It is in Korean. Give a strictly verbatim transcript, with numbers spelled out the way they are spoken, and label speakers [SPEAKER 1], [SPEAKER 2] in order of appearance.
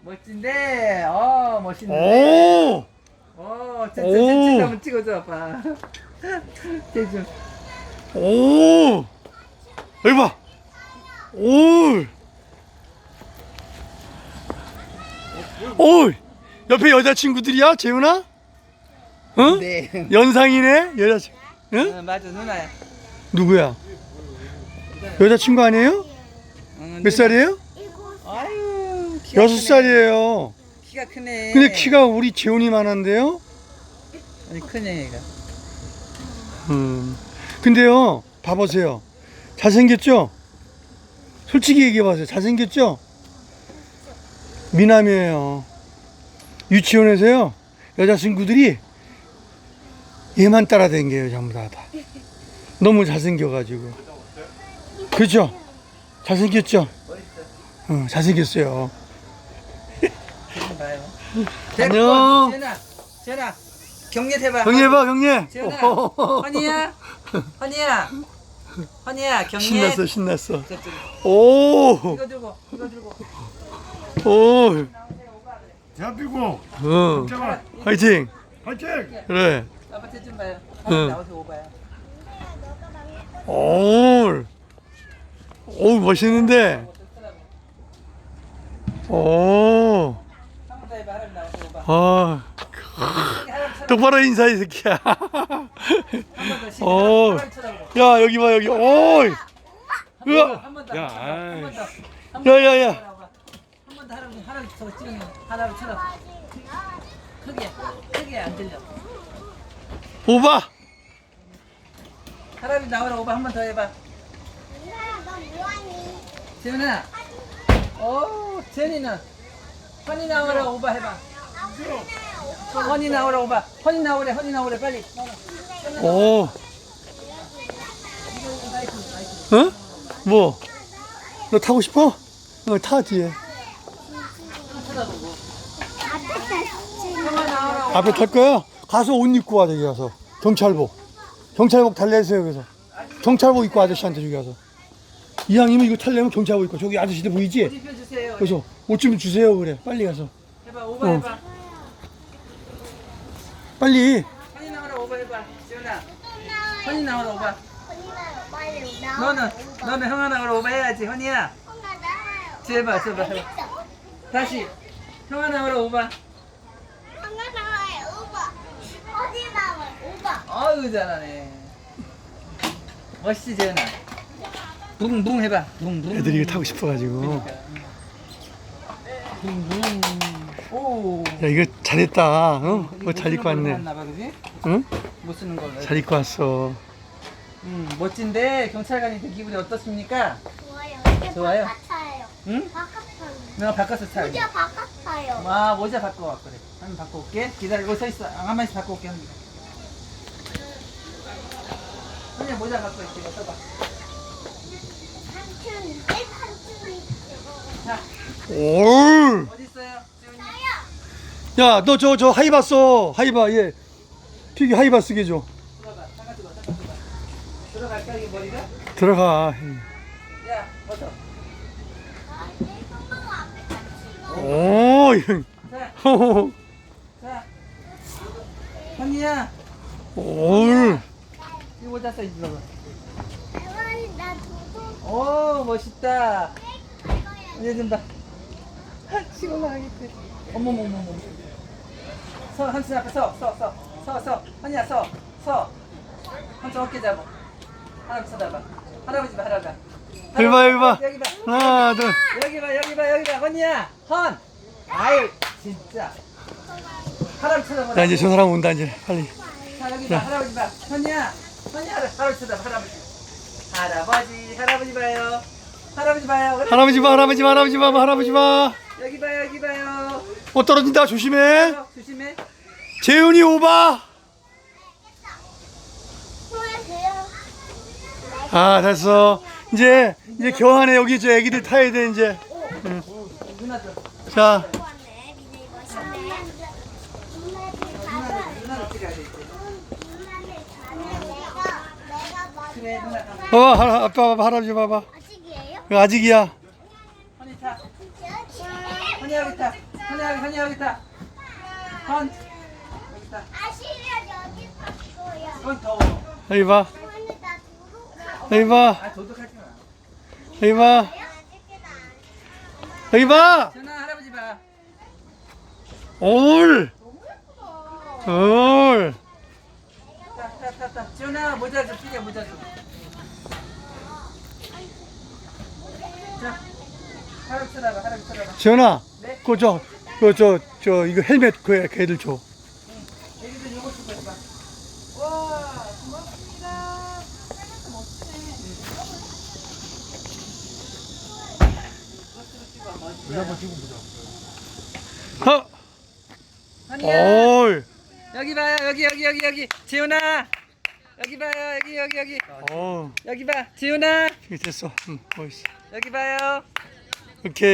[SPEAKER 1] 멋진데. 어, 멋있는데.
[SPEAKER 2] 오!
[SPEAKER 1] 어, 저, 저,
[SPEAKER 2] 오.
[SPEAKER 1] 저, 저, 한번 찍어줘, 아빠. 대준.
[SPEAKER 2] 오! 여기 봐! 오! 오! 옆에 여자친구들이야, 재훈아? 응?
[SPEAKER 1] 네.
[SPEAKER 2] 연상이네, 여자친구. 응?
[SPEAKER 1] 어, 맞아, 누나야.
[SPEAKER 2] 누구야? 여자친구 아니에요?
[SPEAKER 1] 응,
[SPEAKER 2] 몇 살이에요?
[SPEAKER 1] 아유, 키가
[SPEAKER 2] 여섯
[SPEAKER 1] 크네.
[SPEAKER 2] 살이에요.
[SPEAKER 1] 키가 크네.
[SPEAKER 2] 근데 키가 우리 재훈이만한데요?
[SPEAKER 1] 아니, 크네, 얘가.
[SPEAKER 2] 음. 근데요, 봐보세요. 잘생겼죠? 솔직히 얘기해봐세요. 잘생겼죠? 미남이에요. 유치원에서요, 여자친구들이 얘만 따라다녀요, 전부 다. 다. 너무 잘생겨가지고. 그렇죠? 잘생겼죠? 어, 잘생겼어요.
[SPEAKER 1] 대준 봐요.
[SPEAKER 2] 안녕.
[SPEAKER 1] 재현아, 재현아, 경례 해봐.
[SPEAKER 2] 경례 봐, 경례.
[SPEAKER 1] 재현아, 허니야, 허니야, 허니야, 경례.
[SPEAKER 2] 신났어, 신났어.
[SPEAKER 1] 저쪽에.
[SPEAKER 2] 오,
[SPEAKER 1] 이거 들고, 이거 들고.
[SPEAKER 2] 오,
[SPEAKER 3] 대한민국
[SPEAKER 2] 어,
[SPEAKER 3] 잠깐만
[SPEAKER 2] 화이팅.
[SPEAKER 3] 화이팅!
[SPEAKER 2] 그래.
[SPEAKER 1] 아빠 대준 봐요.
[SPEAKER 2] 응.
[SPEAKER 1] 나오세요, 오봐요.
[SPEAKER 2] 오, 오, 멋있는데. 오,
[SPEAKER 1] 한번 더 해봐, 하람 나오세요, 오봐.
[SPEAKER 2] 아, 똑바로 인사해, 이 새끼야.
[SPEAKER 1] 한번 더 시작.
[SPEAKER 2] 오,
[SPEAKER 1] 하람 쳐다보고.
[SPEAKER 2] 야, 여기 봐, 여기. 오, 으아.
[SPEAKER 1] 한번 더,
[SPEAKER 2] 야,
[SPEAKER 1] 한번 더,
[SPEAKER 2] 아이. 야, 야, 야.
[SPEAKER 1] 한 번 더 하람, 하람 저거 찍으면 하람 쳐다. 크게, 크게 안 들려.
[SPEAKER 2] 오바.
[SPEAKER 1] 하람이 나오라 오바 한 번 더 해봐. 재훈아. 오, 재훈이는 허니 나오라 오바 해봐. 허니 나오라 오바. 허니 나오래, 허니 나오래 빨리.
[SPEAKER 2] 오. 어? 뭐? 너 타고 싶어? 어, 타 뒤에.
[SPEAKER 1] 형아 나오라 오바.
[SPEAKER 2] 앞에 탈 거야? 가서 옷 입고 와, 저기 가서. 경찰복. 경찰복 달래세요, 그래서. 경찰복 입고 아저씨한테 저기 가서. 이왕이면 이거 탈려면 경찰복 입고. 저기 아저씨들 보이지?
[SPEAKER 1] 옷 입혀주세요.
[SPEAKER 2] 그래서 옷 좀 주세요, 그래. 빨리 가서.
[SPEAKER 1] 해봐 오바
[SPEAKER 2] 어.
[SPEAKER 1] 해봐.
[SPEAKER 2] 빨리.
[SPEAKER 1] 허니 나오라 오바 해봐. 재훈아. 허니 나오라 오바. 너는 너는 형아 나오라 오바 해야지 허니야. 제발 제발 해봐. 다시 형아 나오라 오바. 아유 잘하네. 멋있지 재현아. 붕붕 해봐. 붕붕.
[SPEAKER 2] 애들이 이거 타고 싶어가지고.
[SPEAKER 1] 붕붕. 오.
[SPEAKER 2] 야, 이거 잘했다. 어? 뭐 잘 입고 왔네.
[SPEAKER 1] 봐, 그지?
[SPEAKER 2] 응?
[SPEAKER 1] 못 쓰는 걸로.
[SPEAKER 2] 잘 입고 왔어.
[SPEAKER 1] 음, 멋진데 경찰관이 된 기분이 어떻습니까?
[SPEAKER 4] 좋아요.
[SPEAKER 1] 좋아요?
[SPEAKER 4] 바깥아요.
[SPEAKER 1] 응?
[SPEAKER 4] 바깥아요.
[SPEAKER 1] 내가 바꿔서 차.
[SPEAKER 4] 모자 바깥아요.
[SPEAKER 1] 아 모자 바꿔 와 그래. 한번 바꿔 올게. 기다리고 서 있어. 가만히 있어 바꿔 올게 합니다. 그냥 모자 바꿔 있게 써봐.
[SPEAKER 4] 삼촌 이제 삼촌이
[SPEAKER 1] 자
[SPEAKER 2] 올.
[SPEAKER 1] 어디 있어요? 재훈이.
[SPEAKER 2] 야, 너 저 저 하이바 써. 하이바 얘. 피기 하이바 쓰게 줘.
[SPEAKER 1] 들어가. 잠깐 들어. 잠깐 들어. 들어갈까 이게 머리가?
[SPEAKER 2] 들어가.
[SPEAKER 1] 야 벗어.
[SPEAKER 2] 오, 이거.
[SPEAKER 1] 자,
[SPEAKER 2] 호호호.
[SPEAKER 1] 자. 현이야.
[SPEAKER 2] 올.
[SPEAKER 1] 이 모자 써 있어.
[SPEAKER 4] 할머니 나 도도
[SPEAKER 1] 오 멋있다. 이제 좀 봐. 시골 나가겠대. 어머머머머. 서 한순 앞에 서, 서, 서, 서, 서. 현이야 서, 서. 한쪽 어깨 잡아. 할아버지 쳐다봐. 할아버지 봐, 할아버지.
[SPEAKER 2] 여기 봐, 여기 봐.
[SPEAKER 1] 여기 봐.
[SPEAKER 2] 하나, 둘.
[SPEAKER 1] 여기 봐, 여기 봐, 여기 봐. 헌이야, 헌. 아유, 진짜. 할아버지 쳐다봐.
[SPEAKER 2] 야, 이제 저 사람 온다, 이제. 빨리.
[SPEAKER 1] 자, 여기 봐, 할아버지 봐. 현이야, 현이야, 할아버지 쳐다봐, 할아버지. 할아버지, 할아버지 봐요. 할아버지 봐요. 그래.
[SPEAKER 2] 할아버지 봐, 할아버지 봐, 할아버지 봐, 할아버지 봐.
[SPEAKER 1] 여기 봐요, 여기 봐요.
[SPEAKER 2] 어, 떨어진다. 조심해.
[SPEAKER 1] 어, 조심해.
[SPEAKER 2] 재훈이 오바.
[SPEAKER 4] 보여줘요.
[SPEAKER 2] 아, 됐어. 이제, 이제 교환해. 여기 저 애기들 타야 돼, 이제.
[SPEAKER 1] 누나들,
[SPEAKER 2] 자,
[SPEAKER 4] 왔네. 미니 입었네. 누나들 가면
[SPEAKER 1] 누나들 찍어야 돼. 이제.
[SPEAKER 4] 누나들 가면 내가 내가 먼저
[SPEAKER 1] 그래, 누나 가.
[SPEAKER 2] 어, 할- 아빠 봐봐, 할아버지 봐봐.
[SPEAKER 4] 아직이에요?
[SPEAKER 2] 이거 아직이야.
[SPEAKER 1] 헌이 타. 헌이 여기 타. 한이야 한이 여기 있다. 헌 여기 있다.
[SPEAKER 4] 아시면 여기 봤어요.
[SPEAKER 1] 헌 더워.
[SPEAKER 2] 여기 봐.
[SPEAKER 4] 어머니 나 도둑.
[SPEAKER 2] 여기 봐.
[SPEAKER 1] 아 도둑하지 마.
[SPEAKER 2] 여기 봐. 여기 봐.
[SPEAKER 1] 전화 할아버지 봐.
[SPEAKER 2] 올. 올.
[SPEAKER 1] 자자자자 지훈아 모자 좀 피게 모자 좀. 자 할아버지 쳐다봐 할아버지 쳐다봐.
[SPEAKER 2] 지현아.
[SPEAKER 1] 네?
[SPEAKER 2] 그거 저, 그거 저, 저, 이거 헬멧 그 걔들 줘.
[SPEAKER 1] 애기들 요거 쓰고 있어. 와 고맙습니다.
[SPEAKER 2] 하.
[SPEAKER 1] 한이야
[SPEAKER 2] 올.
[SPEAKER 1] 여기 봐요 여기 여기 여기 여기 지훈아 여기 봐요 여기 여기 여기
[SPEAKER 2] 어,
[SPEAKER 1] 여기 봐 지훈아
[SPEAKER 2] 이게 됐어. 응, 멋있어.
[SPEAKER 1] 여기 봐요.
[SPEAKER 2] 오케이.